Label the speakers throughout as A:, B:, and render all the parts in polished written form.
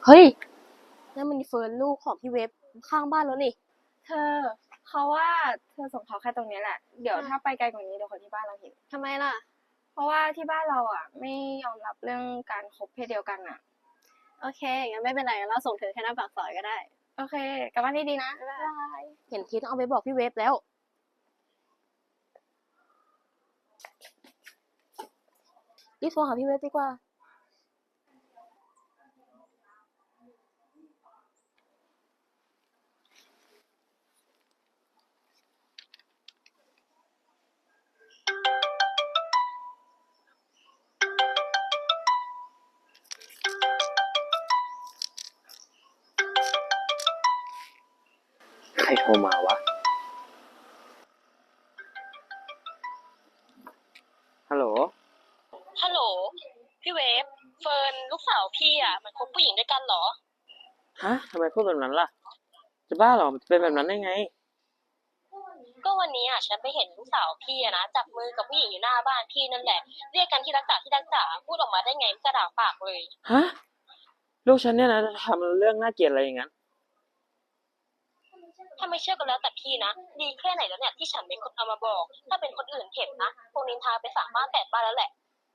A: เฮ้ยนั่นมันเฟิร์นลูกของพี่เว็บข้างบ้านแล้วนี่
B: เธอเขาว่าเธอส่งเขาแค่ตรงนี้แหละ เดี๋ยวถ้าไปไกลกว่านี้เดี๋ยวคนที่บ้านเราเห็น
A: ทำไมล่ะ
B: เพราะว่าที่บ้านเราอ่ะไม่ยอมรับเรื่องการคบเพศเดียวกันอ่ะ
A: โอเคงั้นไม่เป็นไรเราส่งเธอแค่หน้าปากซอยก็ได้
B: โอเคกลับบ้านดีๆนะ
A: บ๊ายบายเห็นทีต้องเอาไปบอกพี่เว็บแล้วรีบโทรหาพี่เว็บดีกว่า
C: ใครโทรมาวะ ฮัลโหล
D: ฮัลโหลพี่เวฟเฟิร์นลูกสาวพี่อ่ะมันคบผู้หญิงด้วยกันเหรอ
C: ฮะ ทำไมพูดแบบนั้นล่ะ จะบ้าเหรอ มันจะเป็นแบบนั้นได้ไง
D: ก็วันนี้อ่ะฉันไปเห็นลูกสาวพี่อะนะจับมือกับผู้หญิงอยู่หน้าบ้านพี่นั่นแหละเรียกกันที่รักจ๋าที่รักจ๋าพูดออกมาได้ไงไม่กระดากปากเลย
C: ฮะ ลูกฉันเนี่ยนะทำเรื่องน่าเกลียดอะไรอย่างนั้น
D: ถ้าไม่เชื่อก็แล้วแต่พี่นะดีแค่ไหนแล้วเนี่ยที่ฉันเป็นคนเอามาบอกถ้าเป็นคนอื่นเห็นนะคงนินทาไปสามบ้านแปดบ้านแล้วแหละ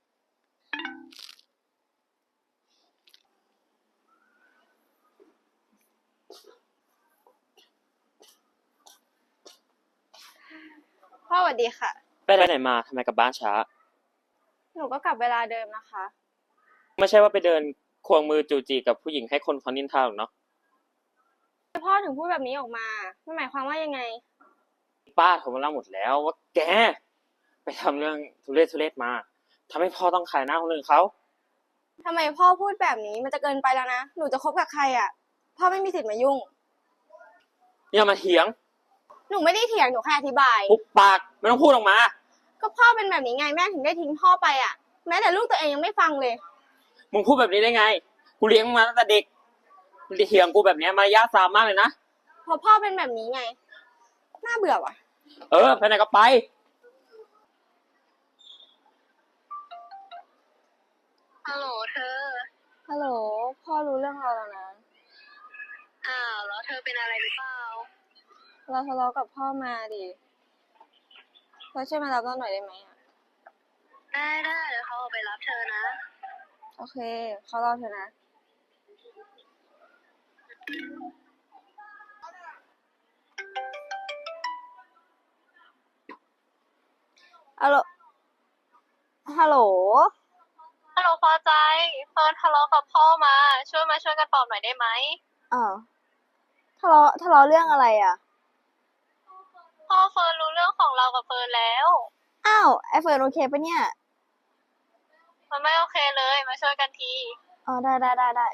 B: พ่อสวัสดีค่ะ
C: ไปไหนมาทำไมกลับบ้านช้า
B: หนูก็กลับเวลาเดิมนะคะ
C: ไม่ใช่ว่าไปเดินควงมือจูจีกับผู้หญิงให้คนเขานินทาหรอกเนาะ
B: พ่อถึงพูดแบบนี้ออกมามันหมายความว่ายังไง
C: ป้าโทรมาเล่าหมดแล้วว่าแก ไปทำเรื่องทุเรศมาทำให้พ่อต้องขายหน้าคนอื่นเขา
B: ทำไมพ่อพูดแบบนี้มันจะเกินไปแล้วนะหนูจะคบกับใครอ่ะพ่อไม่มีสิทธิ์มายุ่ง
C: อย่ามาเถียง
B: หนูไม่ได้เถียงหนูแค่อธิบาย
C: ปุบปากไม่ต้องพูดออกมา
B: ก็พ่อเป็นแบบนี้ไงแม่ถึงได้ทิ้งพ่อไปอ่ะแม้แต่ลูกตัวเองยังไม่ฟังเลย
C: มึงพูดแบบนี้ได้ไง กูเลี้ยงมึงมาตั้งแต่เด็กมึงจะเถียงกูแบบนี้มารยาทซามมากเลยนะ
B: พอพ่อเป็นแบบนี้ไงน่าเบื่อว่ะ
C: ไปไหนก็ไป
D: ฮัลโหลเธอ
B: ฮัลโหลพ่อรู้เรื่องเราแล้วนะ
D: แล้วเธอเป็นอะไรหรือเปล่า
B: เราทะเลาะกับพ่อมาดิเราช่วยมารับเราหน่อยได้ไหมอ่ะ
D: ได้เดี๋ยวเขาเอาไปรับเธอนะ
B: โอเคเขารอเธอนะฮัลโหลฮัลโหล
D: ฮัลโหลพอใจเฟิร์นทะเลาะกับพ่อมาช่วยกันปลอบหน่อยได้ไหม
B: อ้าวทะเลาะเรื่องอะไรอ่ะ
D: พ่อเฟิร์นรู้เรื่องของเรากับเฟิร์นแล้ว
B: อ้าวไอเฟิร์นโอเคปะเนี่ย
D: มันไม่โอเคเลยมาช่วยกันที
B: อ๋อได้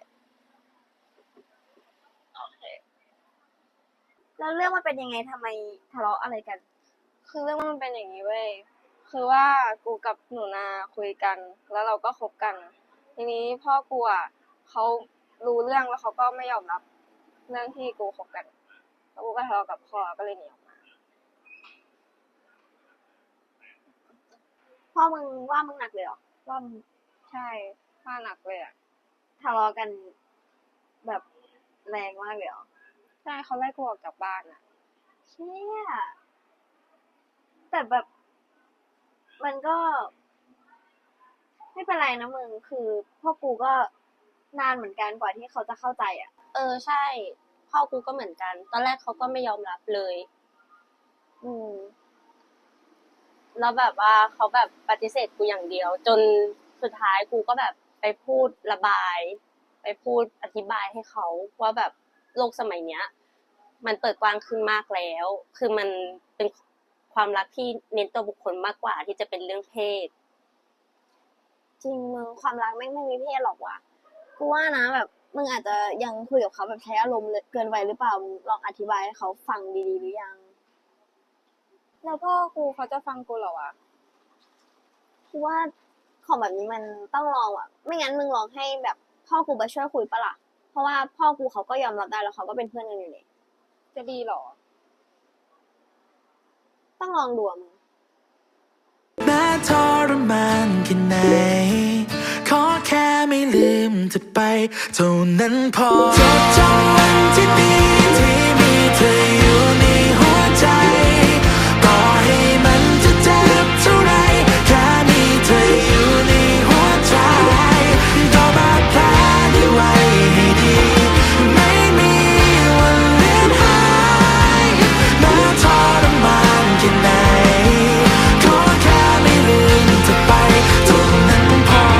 D: โอเค
B: แล้วเรื่องมันเป็นยังไงทำไมทะเลาะอะไรกันคือเรื่องมันเป็นอย่างนี้เว้ยคือว่ากูกับหนูนาคุยกันแล้วเราก็คบกันทีนี้พ่อกูอ่ะเขารู้เรื่องแล้วเขาก็ไม่ยอมรับเรื่องที่กูคบกันแล้วกูก็ทะเลาะกับพ่อก็เลยหนีออกมา
A: พ่อมึงว่ามึงหนักเลยเหรอ
B: ว่าใช่ว่าหนักเลยอ่ะ
A: ทะเลาะกันแบบแรงมากเลยเหรอ
B: ใช่เขาไล่กูออกจากบ้านอ่ะ
A: เชี่ยแต่แบบมันก็ไม่เป็นไรนะมึงคือพ่อกูก็นานเหมือนกันกว่าที่เขาจะเข้าใจอ่ะ
D: ใช่พ่อกูก็เหมือนกันตอนแรกเขาก็ไม่ยอมรับเลย
A: อืม
D: แล้วแบบว่าเขาแบบปฏิเสธกูอย่างเดียวจนสุดท้ายกูก็แบบไปพูดระบายไปพูดอธิบายให้เขาว่าแบบโลกสมัยเนี้ยมันเปิดกว้างขึ้นมากแล้วคือมันเป็นความรักที่เน้นตัวบุคคลมากกว่าที่จะเป็นเรื่องเพศ
A: จริงมึงความรักไม่มีเพศหรอกว่ะกูว่านะแบบมึงอาจจะยังคุยกับเขาแบบใช้อารมณ์เกินไปหรือเปล่ามึงลองอธิบายให้เขาฟังดีๆหรือยัง
B: แล้วพ่อกูเขาจะฟังกูเหรอวะ
A: กูว่าของแบบนี้มันต้องลองอ่ะไม่งั้นมึงลองให้แบบพ่อกูมาช่วยคุยปะล่ะเพราะว่าพ่อกูเขาก็ยอมรับได้แล้วเขาก็เป็นเพื่อนกันอยู่นี่
B: จะดีเหรอ
A: ต้องลองดูมึง
E: แม้ทรมานแค่ไหนขอแค่ไม่ลืมมเธอไปเท่านั้นพอจดจำวันที่ดีที่มีเธออยู่ในหัวใจต่อให้มันจะเจ็บเท่าไรแค่มีเธออยู่ในหัวใจก็บาดแผลได้ไว้ให้ดีไม่มีวันเลือนหายแม้ทรมานแค่ไหนขอแค่ไม่ลืมเธอไปเท่านั้นพอ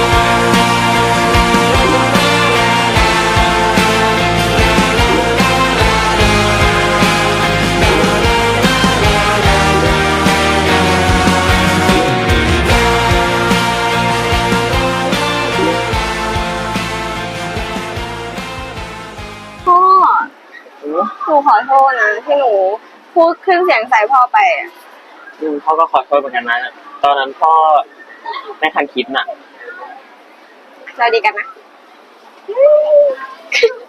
B: พ่อหนูขอโทษนะที่หนูพูดขึ้นเสียงใส่พ่อไปอะ
C: พ่อก็ขอโทษเหมือนกันนะตอนนั้นพ่อไม่ทันคิดน่ะ
B: เราดีกันนะ